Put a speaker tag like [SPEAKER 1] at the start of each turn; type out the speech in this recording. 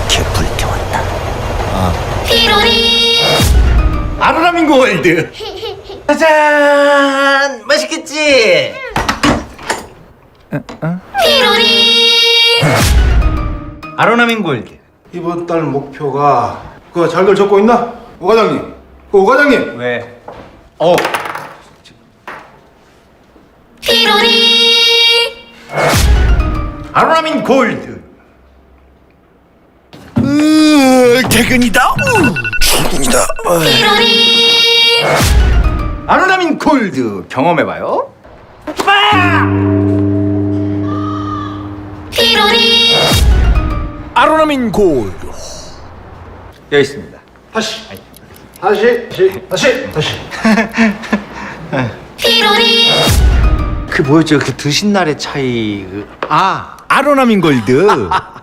[SPEAKER 1] 이렇게 불태웠나?
[SPEAKER 2] 피로리
[SPEAKER 3] 아로라민 골드. 짜잔, 맛있겠지?
[SPEAKER 2] 피로리
[SPEAKER 3] 아로라민 골드.
[SPEAKER 4] 이번 달 목표가 그거 잘들 적고 있나? 오 과장님, 오 과장님.
[SPEAKER 3] 왜?
[SPEAKER 2] 피로리
[SPEAKER 3] 아로라민 골드.
[SPEAKER 1] 퇴근이다. 출근이다.
[SPEAKER 2] 피로리
[SPEAKER 3] 아로라민 골드 경험해봐요.
[SPEAKER 2] 피로리
[SPEAKER 1] 아로라민 골드.
[SPEAKER 3] 여기 있습니다.
[SPEAKER 4] 다시.
[SPEAKER 2] 피로리
[SPEAKER 3] 그 뭐였죠? 그 드신 날의 차이.
[SPEAKER 1] 아로라민 골드.